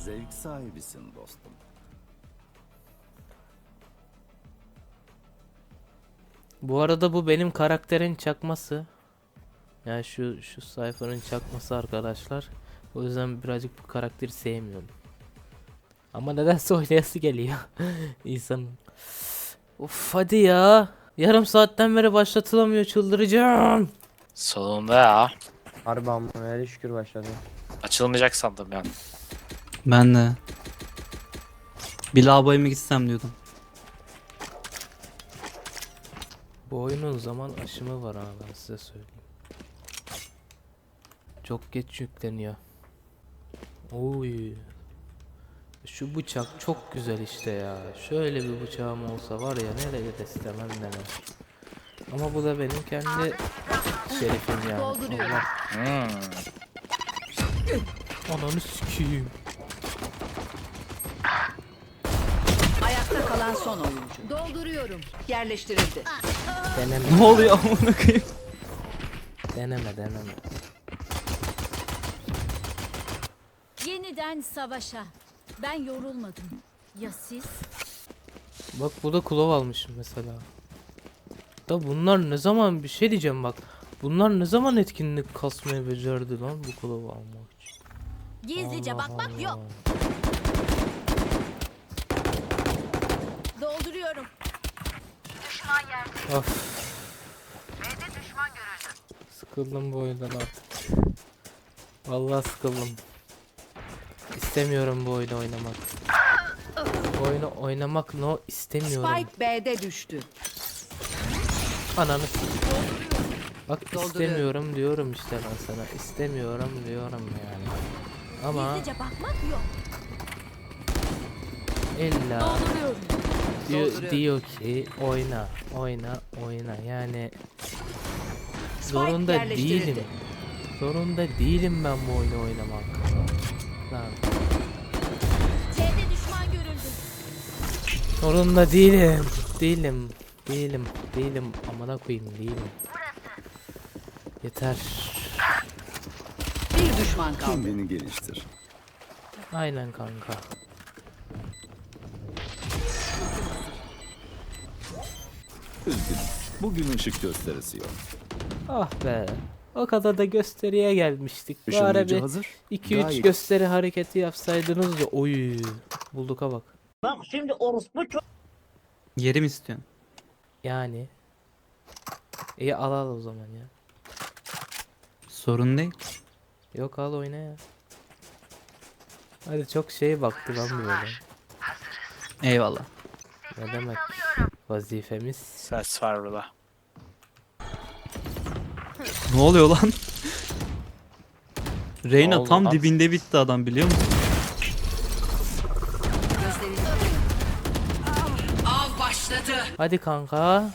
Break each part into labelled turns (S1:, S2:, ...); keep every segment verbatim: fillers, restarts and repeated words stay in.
S1: Zevk sahibisin dostum.
S2: Bu arada bu benim karakterin çakması. Yani şu şu sayfanın çakması arkadaşlar. O yüzden birazcık bu karakteri sevmiyorum. Ama nedense oynayası geliyor insanın. Of hadi ya. Yarım saatten beri başlatılamıyor, çıldıracağım.
S3: Sonunda ya.
S4: Harbi amma hele şükür başladı.
S3: Açılmayacak sandım yani.
S5: Ben de. Bir lavaboya mı gitsem diyordum.
S2: Bu oyunun zaman aşımı var ha, ben size söyleyeyim. Çok geç yükleniyor. Oy. Şu bıçak çok güzel işte ya. Şöyle bir bıçağım olsa var ya, nereye de istemem demem. Ama bu da benim kendi şerefim yani. Allah.
S3: Hmm.
S2: Ananı sikeyim.
S6: Ayakta kalan son oyuncu. Dolduruyorum. Yerleştirildi.
S2: Deneme.
S5: Ne oluyor amına koyayım?
S2: Deneme deneme.
S7: Yeniden savaşa. Ben yorulmadım. Ya siz?
S2: Bak burada kulov almışım mesela. Da bunlar ne zaman, bir şey diyeceğim bak. Bunlar ne zaman etkinlik kasmayı becerdi lan bu kulovu almak için.
S7: Gizlice
S2: Allah
S7: bakmak
S2: Allah.
S7: yok. Dolduruyorum.
S2: Of. Sıkıldım bu oyundan artık. Vallahi sıkıldım. İstemiyorum bu oyunu oynamak. Bu oyunu oynamak no istemiyorum.
S6: Spike B'de düştü.
S2: Ananı s- Bak
S6: Dolduruyorum.
S2: istemiyorum diyorum işte ben sana. İstemiyorum diyorum yani. Ama
S7: Gizlice bakmak yok.
S2: illa
S7: Dolduruyorum.
S2: diyor,
S6: Dolduruyorum.
S2: diyor ki oyna, oyna, oyna. Yani zorunda
S6: yerleştirildi.
S2: değilim. Zorunda değilim ben bu oyunu oynamak. Lan.
S7: C'de düşman görüldü.
S2: Zorunda değilim. Değilim. Değilim. Değilim. Amına koyayım değilim. Yeter.
S6: Bir düşman kaldı.
S1: Kendini geliştir.
S2: Aynen kanka.
S1: Üzgünüm. Bugün ışık gösterisi yok.
S2: Ah be. O kadar da gösteriye gelmiştik. Bari
S1: Işınlayıcı
S2: bir
S1: hazır.
S2: iki üç
S1: Gayet-
S2: gösteri hareketi yapsaydınız da oy. Bulduk'a bak.
S5: Yeri mi istiyorsun?
S2: Yani. İyi al al o zaman ya.
S5: Sorun değil.
S2: Yok al oyna ya. Hadi çok şey baktı lan böyle.
S5: Eyvallah.
S2: Ne demek? Vazifemiz.
S3: Ses var burada.
S5: Ne oluyor lan? Reyna
S3: oldu
S5: tam
S3: lan?
S5: dibinde bitti adam, biliyor musun?
S6: Av başladı.
S2: Hadi kanka.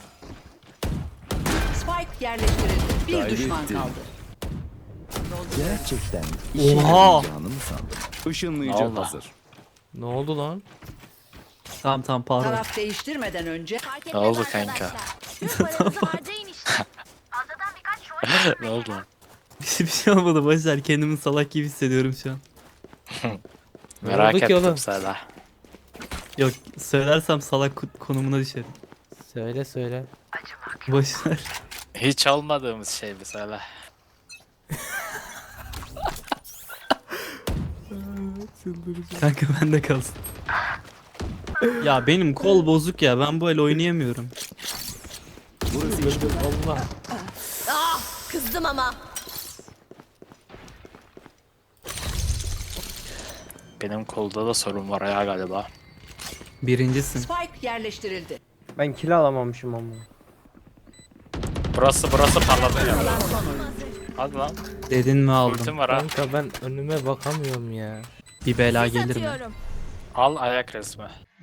S6: Spike yerleştirildi. Bir
S1: Gayret
S6: düşman
S1: ettim.
S6: kaldı.
S1: Gerçekten işe
S5: Oha!
S1: yarayacağını mı sandın? Işınlayıcı
S3: Allah.
S1: hazır.
S2: Ne oldu lan?
S5: Tamam tamam pardon.
S6: Taraf değiştirmeden önce
S7: Fark
S3: Ne
S7: etmez
S3: oldu
S7: arkadaşlar.
S3: kanka?
S7: Tüm paranızı harcayın işte. Fazladan birkaç şov
S3: Ne oldu lan?
S5: Bir şey olmadı Başar, kendimi salak gibi hissediyorum şu an.
S2: Ne
S3: Merak
S2: oldu ki
S3: ettim
S2: oğlum?
S3: sana.
S5: Yok, söylersem salak ko- konumuna düşerim.
S2: Söyle söyle.
S5: Başar.
S3: Hiç olmadığımız şey mesela.
S5: Kanka bende kalsın. Ya benim kol bozuk ya, ben bu el oynayamıyorum.
S1: Burası işte.
S2: Allah.
S7: Kızdım ama.
S3: Benim kolda da sorun var ya galiba.
S5: Birincisin.
S6: Spike yerleştirildi.
S4: Ben kill alamamışım ama.
S3: Burası burası parlatıyor.
S6: Kalan son oyuncu.
S3: Hadi lan.
S5: Dedin mi aldım.
S3: Ultim var ha.
S2: Kanka ben önüme bakamıyorum ya.
S5: Bir bela
S7: Sis
S5: gelir mi?
S7: atıyorum.
S3: Al ayak resmi.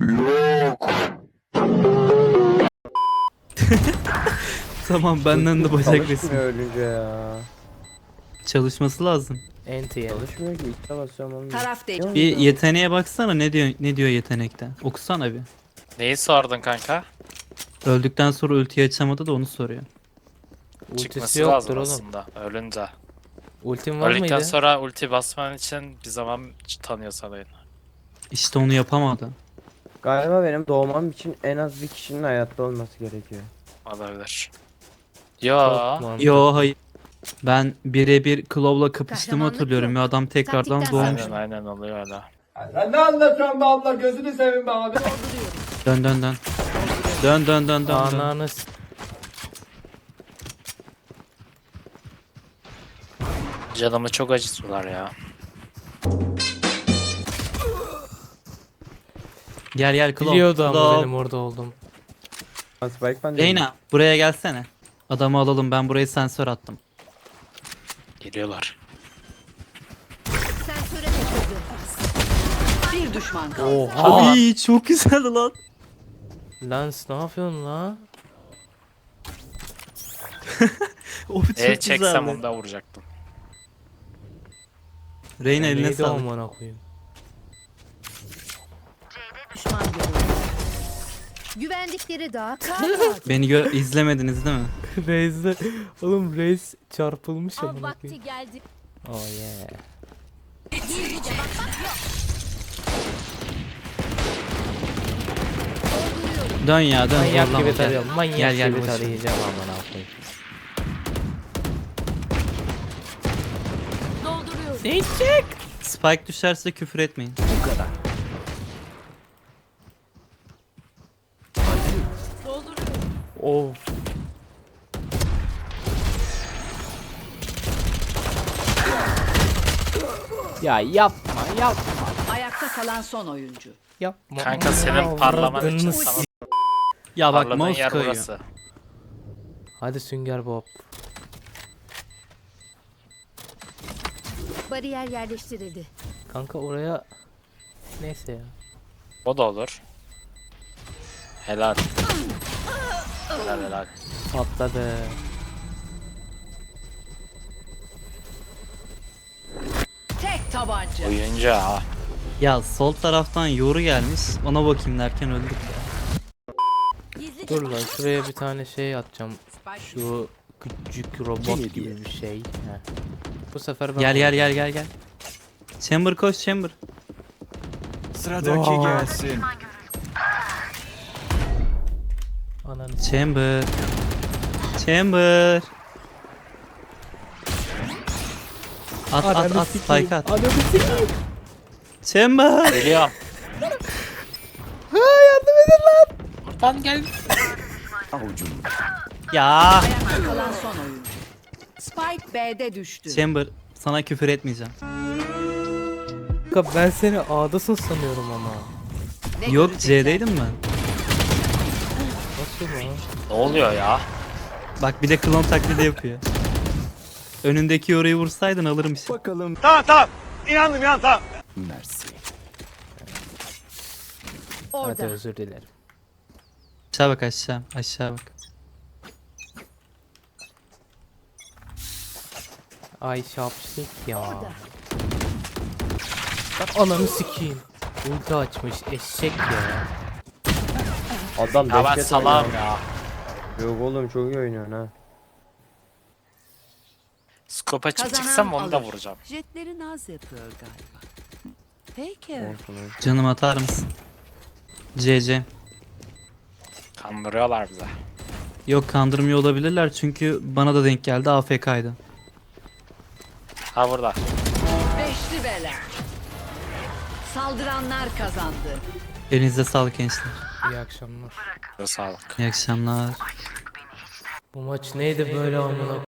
S5: Tamam, benden de bacak
S4: Çalışmıyor
S5: resim.
S4: ölünce ya.
S5: Çalışması lazım.
S2: Enti yani.
S4: Çalışmıyor ki. İşte basıyorum olmuyor.
S6: Taraf değişti.
S5: Bir yeteneğe baksana, ne diyor ne diyor yetenekte. Okusana bir.
S3: Neyi sordun kanka?
S5: Öldükten sonra ultiyi açamadı da onu soruyor.
S2: Ultisi
S3: Çıkması
S2: yoktur
S3: lazım
S2: oğlum.
S3: aslında. Ölünce.
S2: Ultim var
S3: Öldükten
S2: mıydı?
S3: sonra ulti basman için bir zaman tanıyor sana oyun.
S5: İşte onu yapamadı.
S4: Galiba benim doğmam için en az bir kişinin hayatta olması gerekiyor.
S3: Olabilir. Yo.
S2: Çok mantıklı.
S5: Yo hayır. Ben birebir Claw'la kapıştığımı
S7: Kahramanlık
S5: hatırlıyorum
S7: yok.
S5: ve adam tekrardan
S7: Taktikten
S5: doğmuş.
S3: Aynen aynen oluyor öyle.
S5: Dön dön dön. Dön dön dön dön. dön.
S2: Ananı s-
S3: Canımı çok acıtıyorlar ya.
S5: Gel gel Claw.
S2: biliyordu ama
S5: Claw.
S2: benim orada oldum.
S4: Ha, Spike ben de.
S5: Reyna buraya gelsene. Adamı alalım, ben buraya sensör attım.
S3: Geliyorlar.
S7: Sensöre takıldı.
S6: Bir düşman kaldı.
S2: Oha.
S5: Ay çok güzel lan.
S2: Lens ne yapıyorsun la?
S5: O çok
S3: E çeksem
S5: güzeldi.
S3: onu da vuracaktım.
S5: Reyna eline
S2: Neydi
S5: sağlık.
S2: amına koyayım?
S7: Düşman görüldü. Güvendikleri dağa kalk.
S5: Beni gö izlemediniz değil mi?
S2: Reis'de oğlum Reis çarpılmış
S7: Av
S2: amına
S7: vakti
S2: koyayım.
S7: geldi.
S2: Oh yeah.
S7: Gizlice bak bak yok. Dolduruyorum.
S5: Dön ya dön.
S2: Manyak
S5: zorlama,
S2: gibi
S5: gel.
S2: tarıyorum. Manyak
S5: Gel, gel,
S2: gibi
S5: boş ver.
S2: tarayacağım amına koyayım.
S7: Dolduruyorum.
S2: Ne çek?
S5: Spike düşerse küfür etmeyin.
S1: Bu kadar.
S7: Dolduruyorum.
S2: Of. Ya yapma yapma
S6: Ayakta kalan son oyuncu.
S2: yapma.
S3: Kanka senin parlaman için sana
S5: Ya bak
S3: parladığın
S5: mouse
S3: yer
S5: kayıyor.
S3: burası.
S2: Hadi Sünger Bob.
S7: Bariyer yerleştirildi.
S2: Kanka oraya neyse ya.
S3: O da olur. Helal. Helal helal.
S2: Patladı.
S6: Tek tabanca.
S3: Oyuncu ha.
S5: Ya sol taraftan yoru gelmiş. Ona bakayım derken öldük ya.
S7: Gizlice
S2: Dur lan şuraya bir tane şey atacağım.
S6: Spike
S2: Şu küçük robot
S1: Kim
S2: gibi
S1: hediye?
S2: bir şey. Heh. Bu sefer ben
S5: Gel gel gel gel gel. Chamber koş Chamber.
S1: Sıradaki gelsin.
S2: Ananı
S5: Chamber. Chamber. At at
S2: Ananı
S5: at
S2: sikeyim.
S5: spike at.
S2: Ananı sikeyim.
S5: Chamber.
S3: Geliyorum.
S2: Ha yardım edin lan.
S3: Buradan gel.
S1: Avucum.
S5: Ya.
S6: ayakta kalan son oyuncu. Spike B'de düştü.
S5: Chamber sana küfür etmeyeceğim.
S2: Kanka ben seni A'dasın sanıyorum ama.
S6: Ne
S5: Yok
S6: görecekler?
S5: C'deydim ben.
S2: Nasıl lan?
S3: Ne oluyor ya?
S5: Bak bir de klon taklidi yapıyor. Önündeki yoruyu vursaydın alırım işte.
S1: Bakalım. Mersi.
S2: Hadi
S7: orada.
S2: özür dilerim.
S5: Aşağı bak aşağı. Aşağı bak.
S2: Ay şapşik ya. Bak ananı sikeyim. Ulti açmış eşek ya.
S4: Adam
S3: Ya ben
S4: dehşet
S3: salam
S4: oynuyor.
S3: ya.
S4: Yok oğlum çok iyi oynuyorsun ha.
S3: Scope açıp
S6: Kazanan
S3: çıksam onu da
S6: alır.
S3: vuracağım.
S6: Jetleri naz yapıyor galiba. Peki.
S4: Olsun olsun.
S5: Canım atar mısın? C C.
S3: Kandırıyorlar bize.
S5: Yok kandırmıyor olabilirler çünkü bana da denk geldi A F K'ydı.
S3: Ha burada.
S6: Beşli bela. Saldıranlar kazandı.
S5: Elinize sağlık gençler.
S2: İyi akşamlar.
S3: Sağlık.
S5: İyi akşamlar.
S2: Bu maç neydi böyle amına